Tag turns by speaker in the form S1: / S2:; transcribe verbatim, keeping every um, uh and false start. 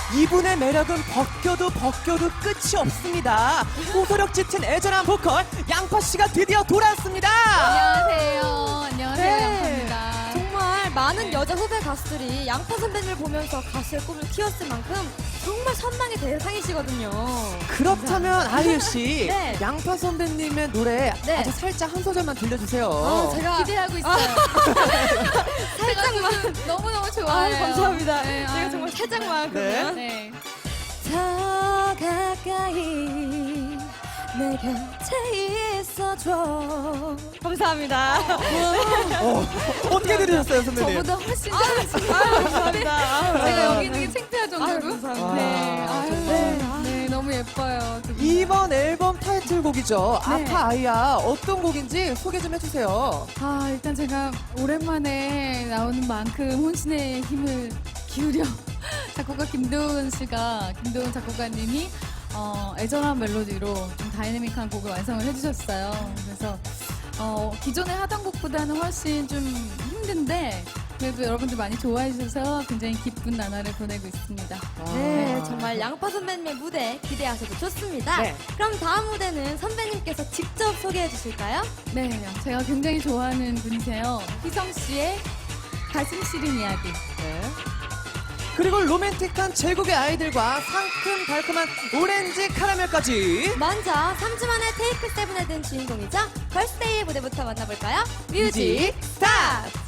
S1: 이분의 매력은 벗겨도 벗겨도 끝이 없습니다. 호소력 짙은 애절한 보컬 양파씨가 드디어 돌아왔습니다.
S2: 안녕하세요. 안녕하세요.
S3: 네.
S2: 양파입니다.
S3: 정말 많은 여자 후배 가수들이 양파 선배님을 보면서 가수의 꿈을 키웠을 만큼 정말 선망의 대상이시거든요.
S1: 그렇다면 아이유씨,
S3: 네.
S1: 양파 선배님의 노래
S3: 네.
S1: 아주 살짝 한 소절만 들려주세요.
S3: 어, 제가
S2: 기대하고 있어요.
S3: 살짝만.
S2: 너무너무
S3: 아,
S2: 좋아요.
S3: 감사합니다.
S2: 네,
S3: 제가
S2: 아유.
S3: 정말 살짝만
S1: 네.
S3: 그러면
S2: 네.
S3: 더 가까이 내 곁에 있어줘. 감사합니다.
S1: 어, 어떻게 들으셨어요, 선배님?
S2: 저보다 훨씬 잘하시고
S3: 감사합니다.
S2: 제가 여기 있는 게 창피할 정도로.
S3: 아유, 감사합니다.
S2: 네. 아유,
S3: 네.
S2: 네. 너무 예뻐요. 두 분.
S1: 이번 앨범 타이틀곡이죠.
S2: 네.
S1: 아파 아이야. 어떤 곡인지 소개 좀 해주세요.
S2: 아, 일단 제가 오랜만에 나오는 만큼 혼신의 힘을 기울여 작곡가 김도훈 씨가, 김도훈 작곡가님이 어, 애절한 멜로디로 좀 다이내믹한 곡을 완성을 해주셨어요. 그래서 어, 기존에 하던 곡보다는 훨씬 좀 힘든데 그래도 여러분들 많이 좋아해 주셔서 굉장히 기쁜 나날을 보내고 있습니다.
S3: 네, 정말 양파 선배님의 무대 기대하셔도 좋습니다.
S1: 네.
S3: 그럼 다음 무대는 선배님께서 직접 소개해 주실까요?
S2: 네, 제가 굉장히 좋아하는 분이세요. 희성 씨의 가슴 시린 이야기.
S1: 네. 그리고 로맨틱한 제국의 아이들과 상큼 달콤한 오렌지 카라멜까지.
S3: 먼저 삼 주 만에 테이크 세븐에 든 주인공이죠. 걸스데이의 무대부터 만나볼까요? 뮤직
S1: 뮤직
S3: 스타트!